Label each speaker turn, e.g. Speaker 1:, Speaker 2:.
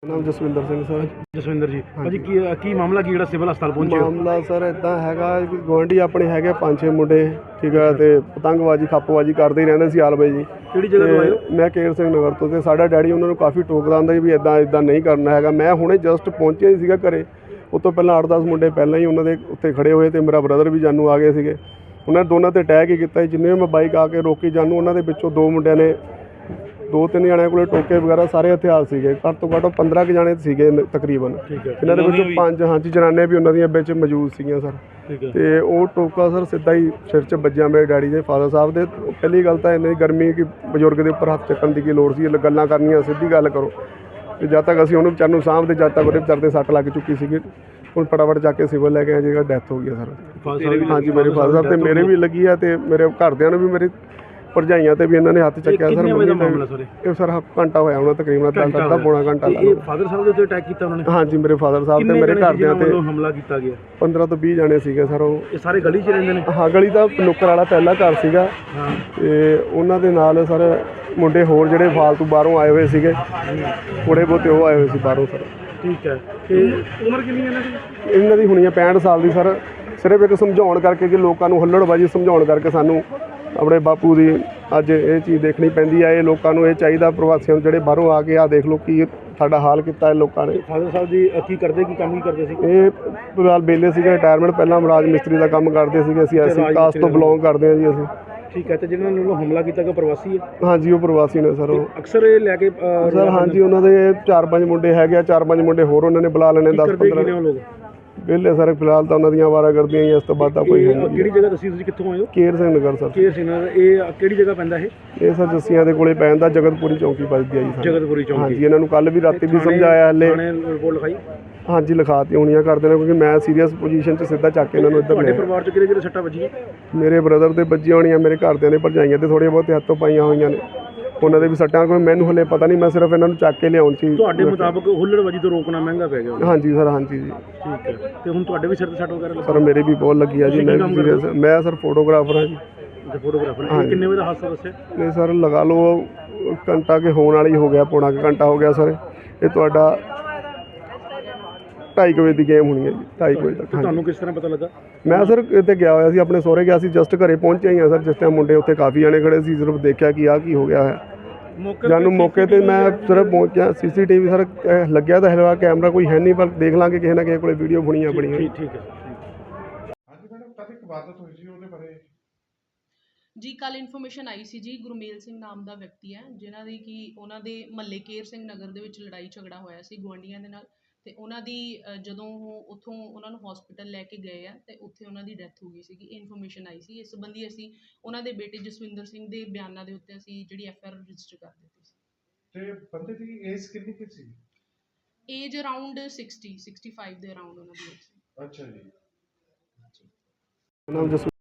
Speaker 1: ਨਾਮ ਜਸਵਿੰਦਰ ਸਿੰਘ ਸਰ।
Speaker 2: ਜਸਵਿੰਦਰ ਜੀ ਭਾਜੀ ਕੀ ਮਾਮਲਾ ਕੀ ਜਿਹੜਾ ਸਿਵਲ ਹਸਪਤਾਲ ਪਹੁੰਚੇ ਹੋ?
Speaker 1: ਮਾਮਲਾ ਸਰ ਇੱਦਾਂ ਹੈਗਾ ਕਿ ਗੁਆਂਢੀ ਆਪਣੇ ਹੈਗੇ 5-6 ਮੁੰਡੇ, ਠੀਕ ਹੈ, ਤੇ ਪਤੰਗਬਾਜ਼ੀ ਖੱਪਬਾਜ਼ੀ ਕਰਦੇ ਹੀ ਰਹਿੰਦੇ ਸੀ ਆਲਵੇ ਜੀ।
Speaker 2: ਕਿਹੜੀ ਜਗ੍ਹਾ ਤੋਂ ਆਏ ਹੋ?
Speaker 1: ਮੈਂ ਕੇਰ ਸਿੰਘ ਨਗਰ ਤੋਂ, ਤੇ ਸਾਡਾ ਡੈਡੀ ਉਹਨਾਂ ਨੂੰ ਕਾਫੀ ਟੋਕਦਾ ਹੁੰਦਾ ਸੀ ਵੀ ਇੱਦਾਂ ਨਹੀਂ ਕਰਨਾ ਹੈਗਾ। ਮੈਂ ਹੁਣੇ ਜਸਟ ਪਹੁੰਚਿਆ ਹੀ ਸੀਗਾ ਘਰੇ, ਉਸ ਤੋਂ ਪਹਿਲਾਂ 8-10 ਮੁੰਡੇ ਪਹਿਲਾਂ ਹੀ ਉਹਨਾਂ ਦੇ ਉੱਤੇ ਖੜੇ ਹੋਏ, ਤੇ ਮੇਰਾ ਬ੍ਰਦਰ ਵੀ ਜਾਨੂੰ ਆ ਗਏ ਸੀਗੇ। ਉਹਨਾਂ ਨੇ ਦੋਨਾਂ 'ਤੇ ਅਟੈਕ ਹੀ ਕੀਤਾ। ਜਿੰਨੇ ਮੈਂ ਬਾਈਕ ਆ ਕੇ ਰੋਕੀ ਜਾਨੂੰ, ਉਹਨਾਂ ਦੇ ਵਿੱਚੋਂ 2 ਮੁੰਡਿਆਂ ਨੇ 2-3 ਜਣਿਆਂ ਕੋਲ ਟੋਕੇ ਵਗੈਰਾ ਸਾਰੇ ਹਥਿਆਰ ਸੀਗੇ। ਘੱਟ ਤੋਂ ਘੱਟ 15 ਕੁ ਜਣੇ ਸੀਗੇ ਤਕਰੀਬਨ। ਇਹਨਾਂ ਦੇ ਵਿੱਚੋਂ 5 ਜਨਾਨੇ ਵੀ ਉਹਨਾਂ ਦੀਆਂ ਵਿੱਚ ਮੌਜੂਦ ਸੀਗੀਆਂ ਸਰ। ਤੇ ਉਹ ਟੋਕਾ ਸਰ ਸਿੱਧਾ ਹੀ ਸਿਰ 'ਚ ਵੱਜਿਆ ਮੇਰੇ ਡੈਡੀ ਦੇ ਫਾਦਰ ਸਾਹਿਬ ਦੇ। ਪਹਿਲੀ ਗੱਲ ਤਾਂ ਇੰਨੀ ਗਰਮੀ ਕਿ ਬਜ਼ੁਰਗ ਦੇ ਉੱਪਰ ਹੱਥ ਚੱਕਣ ਦੀ ਕੀ ਲੋੜ ਸੀ? ਗੱਲਾਂ ਕਰਨੀਆਂ, ਸਿੱਧੀ ਗੱਲ ਕਰੋ। ਤੇ ਜਦ ਤੱਕ ਅਸੀਂ ਉਹਨੂੰ ਵਿਚਾਰ ਨੂੰ ਸਾਂਭਦੇ, ਜਦ ਤੱਕ ਉਹਦੇ ਵਿਚਾਰ 'ਤੇ ਸੱਟ ਲੱਗ ਚੁੱਕੀ ਸੀਗੀ। ਹੁਣ ਫਟਾਫਟ ਜਾ ਕੇ ਸਿਵਲ ਲੈ ਕੇ ਆਏ, ਜਿਹੜਾ ਡੈਥ ਹੋ ਗਈ ਸਰ। ਹਾਂਜੀ, ਮੇਰੇ ਫਾਦਰ ਸਾਹਿਬ ਤੇ ਮੇਰੇ ਵੀ ਲੱਗੀ ਆ, ਤੇ ਮੇਰੇ ਘਰਦਿਆਂ ਨੂੰ ਵੀ, ਮੇਰੇ ਭਰਜਾਈਆਂ ਤੇ ਵੀ ਇਹਨਾਂ ਨੇ ਹੱਥ ਚੱਕਿਆ ਸਰ। ਇਹ ਸਰ ਘੰਟਾ ਹੋਇਆ ਹੋਣਾ ਤਕਰੀਬਨ, ਅੱਧਾ ਪੌਣਾ ਘੰਟਾ।
Speaker 2: ਇਹ ਫਾਦਰ ਸਾਹਿਬ ਦੇ ਉੱਤੇ ਅਟੈਕ ਕੀਤਾ ਉਹਨਾਂ ਨੇ?
Speaker 1: ਹਾਂਜੀ, ਮੇਰੇ ਫਾਦਰ ਸਾਹਿਬ ਤੇ ਮੇਰੇ ਘਰਦਿਆਂ ਤੇ
Speaker 2: ਹਮਲਾ ਕੀਤਾ ਗਿਆ।
Speaker 1: 15 ਤੋਂ 20 ਜਣੇ ਸੀਗੇ ਸਰ। ਉਹ
Speaker 2: ਇਹ ਸਾਰੇ ਗਲੀ 'ਚ ਰਹਿੰਦੇ ਨੇ?
Speaker 1: ਹਾਂ, ਗਲੀ ਦਾ ਨੁੱਕਰ ਵਾਲਾ ਪਹਿਲਾ ਘਰ ਸੀਗਾ। ਤੇ ਉਹਨਾਂ ਦੇ ਨਾਲ ਸਰ ਮੁੰਡੇ ਹੋਰ ਜਿਹੜੇ ਫਾਲਤੂ ਬਾਹਰੋਂ ਆਏ ਹੋਏ ਸੀਗੇ, ਥੋੜੇ ਬਹੁਤੇ ਉਹ ਆਏ ਹੋਏ ਸੀ ਬਾਹਰੋਂ ਸਰ।
Speaker 2: ਠੀਕ ਹੈ। ਤੇ ਉਮਰ ਕਿੰਨੀ ਹੈ ਇਹਨਾਂ ਦੀ?
Speaker 1: ਇਹਨਾਂ ਦੀ ਹੋਣੀ ਹੈ 65 ਸਾਲ ਦੀ ਸਰ। ਸਿਰਫ ਇੱਕ ਸਮਝਾਉਣ ਕਰਕੇ ਕਿ ਲੋਕਾਂ ਨੂੰ ਹੁੱਲੜਬਾਜ਼ੀ ਸਮਝਾਉਣ ਕਰਕੇ ਸਾਨੂੰ ਆਪਣੇ ਬਾਪੂ ਦੀ ਅੱਜ ਇਹ ਚੀਜ਼ ਦੇਖਣੀ ਪੈਂਦੀ ਹੈ। ਇਹ ਲੋਕਾਂ ਨੂੰ ਇਹ ਚਾਹੀਦਾ, ਪ੍ਰਵਾਸੀਆਂ ਨੂੰ ਜਿਹੜੇ ਬਾਹਰੋਂ ਆ ਕੇ ਆਹ ਦੇਖ ਲਓ ਕੀ ਸਾਡਾ ਹਾਲ ਕੀਤਾ ਹੈ ਲੋਕਾਂ ਨੇ।
Speaker 2: ਫਾਦਰ ਸਾਹਿਬ ਜੀ ਕੀ ਕਰਦੇ, ਕੀ ਕੰਮ ਹੀ ਕਰਦੇ ਸੀ?
Speaker 1: ਇਹ ਫਿਲਹਾਲ ਬੇਲੇ ਸੀਗੇ, ਰਿਟਾਇਰਮੈਂਟ, ਪਹਿਲਾਂ ਰਾਜ ਮਿਸਤਰੀ ਦਾ ਕੰਮ ਕਰਦੇ ਸੀਗੇ। ਅਸੀਂ ਐਸੀ ਕਾਸਟ ਤੋਂ ਬਿਲੋਂਗ ਕਰਦੇ ਹਾਂ ਜੀ ਅਸੀਂ।
Speaker 2: ਠੀਕ ਹੈ। ਤੇ ਜਿਹਨਾਂ ਨੇ ਹਮਲਾ ਕੀਤਾ ਕਿ ਪ੍ਰਵਾਸੀ ਹੈ? ਹਾਂਜੀ,
Speaker 1: ਉਹ ਪ੍ਰਵਾਸੀ ਨੇ ਸਰ। ਉਹ
Speaker 2: ਅਕਸਰ ਇਹ ਲੈ ਕੇ
Speaker 1: ਸਰ, ਹਾਂਜੀ, ਉਹਨਾਂ ਦੇ 4-5 ਮੁੰਡੇ ਹੈਗੇ ਆ, 4-5 ਮੁੰਡੇ ਹੋਰ ਉਹਨਾਂ ਨੇ ਬੁਲਾ ਲੈਣੇ। 10-15
Speaker 2: ਲੋਕ
Speaker 1: ਵਿਹਲੇ ਸਰ ਫਿਲਹਾਲ ਤਾਂ ਉਹਨਾਂ ਦੀਆਂ ਆਵਾਰਾਗਰਦੀਆਂ ਹੀ, ਇਸ ਤੋਂ ਬਾਅਦ ਤਾਂ ਕੋਈ ਹੈ ਨਹੀਂ।
Speaker 2: ਕਿਹੜੀ ਜਗ੍ਹਾ ਦੱਸੀ ਤੁਸੀਂ, ਕਿੱਥੋਂ ਆਏ ਹੋ?
Speaker 1: ਕੇਰ ਸਿੰਘ ਨਗਰ ਸਰ।
Speaker 2: ਕੇਰ ਸਿੰਘ ਨਗਰ। ਇਹ ਕਿਹੜੀ ਜਗ੍ਹਾ ਪੈਂਦਾ ਇਹ
Speaker 1: ਸਰ ਜੱਸੀਆਂ ਦੇ ਕੋਲੇ ਪੈ ਜਾਂਦਾ, ਜਗਤਪੁਰੀ ਚੌਂਕੀ ਵੱਜਦੀ ਆ ਜੀ।
Speaker 2: ਜਗਤਪੁਰੀ ਚੌਂਕੀ।
Speaker 1: ਹਾਂਜੀ, ਇਹਨਾਂ ਨੂੰ ਕੱਲ ਵੀ ਰਾਤੀ ਵੀ ਸਮਝਾਇਆ ਹਲੇ।
Speaker 2: ਰਿਪੋਰਟ ਲਿਖਾਈ? ਹਾਂਜੀ,
Speaker 1: ਲਿਖਾਤੀ ਹੋਣੀਆਂ ਕਰਦੇ ਨੇ, ਕਿਉਂਕਿ ਮੈਂ ਸੀਰੀਅਸ ਪੋਜੀਸ਼ਨ 'ਚ ਸਿੱਧਾ ਚੱਕ ਕੇ ਇਹਨਾਂ ਨੂੰ ਇੱਧਰ
Speaker 2: ਤੁਹਾਡੇ ਪਰਿਵਾਰ 'ਚ ਕਿਹੜੇ ਸੱਟਾਂ ਵੱਜੀਆਂ? ਮੇਰੇ
Speaker 1: ਬ੍ਰਦਰ ਦੇ ਵੱਜੀਆਂ ਹੋਣੀਆਂ, ਮੇਰੇ ਘਰਦਿਆਂ ਦੇ, ਭਰਜਾਈਆਂ ਤੇ ਥੋੜ੍ਹੀਆਂ ਬਹੁਤੇ ਹੱਥੋਂ ਪਾਈਆਂ ਹੋਈਆਂ ਨੇ। ਉਹਨਾਂ ਦੇ ਵੀ ਸੱਟਾਂ, ਕੋਈ ਮੈਨੂੰ ਹਲੇ ਪਤਾ ਨਹੀਂ, ਮੈਂ ਸਿਰਫ ਇਹਨਾਂ ਨੂੰ ਚੱਕ ਕੇ ਲਿਆਉਣ ਸੀ।
Speaker 2: ਤੁਹਾਡੇ ਮੁਤਾਬਕ ਹੁੱਲੜਬਾਜ਼ੀ ਤੋਂ ਰੋਕਣਾ ਮਹਿੰਗਾ ਪੈ ਗਿਆ?
Speaker 1: ਹਾਂਜੀ ਸਰ, ਹਾਂਜੀ ਜੀ।
Speaker 2: ਠੀਕ ਹੈ। ਤੇ ਹੁਣ ਤੁਹਾਡੇ ਵੀ ਸਿਰ ਤੇ ਸੱਟ ਵਗੈਰਾ ਲੱਗੀ?
Speaker 1: ਸਰ ਮੇਰੇ ਵੀ ਬਹੁਤ ਲੱਗੀ ਆ ਜੀ। ਮੈਂ ਸਰ ਫੋਟੋਗ੍ਰਾਫਰ ਹਾਂ ਜੀ।
Speaker 2: ਫੋਟੋਗ੍ਰਾਫਰ। ਕਿੰਨੇ ਵਜੇ ਦਾ ਹਾਦਸਾ ਦੱਸਿਆ?
Speaker 1: ਨਹੀਂ ਸਰ, ਲਗਾ ਲਓ ਘੰਟਾ ਕੇ ਹੋਣ ਵਾਲੀ ਹੋ ਗਿਆ, ਪੌਣਾ ਕੁ ਘੰਟਾ ਹੋ ਗਿਆ ਸਰ। ਇਹ ਤੁਹਾਡਾ 2:30 ਵਜੇ ਦੀ ਗੇਮ ਹੋਣੀ ਹੈ ਜੀ, 2:30 ਵਜੇ ਤੱਕ।
Speaker 2: ਤੁਹਾਨੂੰ ਕਿਸ ਤਰ੍ਹਾਂ ਪਤਾ ਲੱਗਾ?
Speaker 1: ਮੈਂ ਸਰ ਇੱਥੇ ਗਿਆ ਹੋਇਆ ਸੀ, ਆਪਣੇ ਸਹੁਰੇ ਗਿਆ ਸੀ, ਜਸਟ ਘਰੇ ਪਹੁੰਚਿਆ ਹੀ ਆ ਸਰ। ਜਿਸ ਟਾਈਮ ਮੁੰਡੇ ਉੱਥੇ ਕਾਫੀ ਜਣੇ ਖੜੇ ਸੀ, ਸਿਰਫ ਦੇਖਿਆ ਕਿ ਆਹ ਕੀ ਹੋ ਗਿਆ ਹੈ। ਜਾਨੂੰ ਮੌਕੇ ਤੇ ਮੈਂ ਸਿਰਫ ਪਹੁੰਚਿਆ। CCTV ਸਰ ਲੱਗਿਆ ਤਾਂ ਹੈਗਾ, ਕੈਮਰਾ ਕੋਈ ਹੈ ਨਹੀਂ, ਪਰ ਦੇਖ ਲਾਂਗੇ ਕਿਸੇ ਨਾ ਕਿਸੇ ਕੋਲ ਵੀਡੀਓ ਬਣੀਆਂ।
Speaker 2: ਠੀਕ ਹੈ।
Speaker 3: ਹਾਂਜੀ ਮੈਡਮ, ਕਦ ਇੱਕ ਵਾਰਦਾਤ ਹੋਈ ਸੀ ਉਹਦੇ ਬਾਰੇ?
Speaker 4: ਜੀ ਕੱਲ ਇਨਫੋਰਮੇਸ਼ਨ ਆਈ ਸੀ ਜੀ, ਗੁਰਮੇਲ ਸਿੰਘ ਨਾਮ ਦਾ ਵਿਅਕਤੀ ਹੈ, ਜਿਨ੍ਹਾਂ ਦੀ ਕਿ ਉਹਨਾਂ ਦੇ ਮਹੱਲੇ ਕੇਰ ਸਿੰਘ ਨਗਰ ਦੇ ਵਿੱਚ ਲੜਾਈ ਝਗੜਾ ਹੋਇਆ ਸੀ ਗੁਆਂਢੀਆਂ ਦੇ ਨਾਲ। ਤੇ ਉਹਨਾਂ ਦੀ ਜਦੋਂ ਉਹ ਉੱਥੋਂ ਉਹਨਾਂ ਨੂੰ ਹਸਪੀਟਲ ਲੈ ਕੇ ਗਏ ਆ, ਤੇ ਉੱਥੇ ਉਹਨਾਂ ਦੀ ਡੈਥ ਹੋ ਗਈ ਸੀਗੀ। ਇਨਫੋਰਮੇਸ਼ਨ ਆਈ ਸੀ, ਇਸ ਸੰਬੰਧੀ ਅਸੀਂ ਉਹਨਾਂ ਦੇ ਬੇਟੇ ਜਸਵਿੰਦਰ ਸਿੰਘ ਦੇ ਬਿਆਨਾਂ ਦੇ ਉੱਤੇ ਅਸੀਂ ਜਿਹੜੀ FIR ਰਜਿਸਟਰ ਕਰ ਦਿੱਤੀ ਸੀ।
Speaker 3: ਤੇ ਬੰਦੇ ਦੀ ਏਜ ਕਿੰਨੀ ਕੁ ਸੀ?
Speaker 4: ਏਜ ਅਰਾਊਂਡ 60-65 ਦੇ ਅਰਾਊਂਡ ਉਹਨਾਂ ਦੀ ਏਜ ਸੀ।
Speaker 3: ਅੱਛਾ ਜੀ।
Speaker 1: ਨਾਮ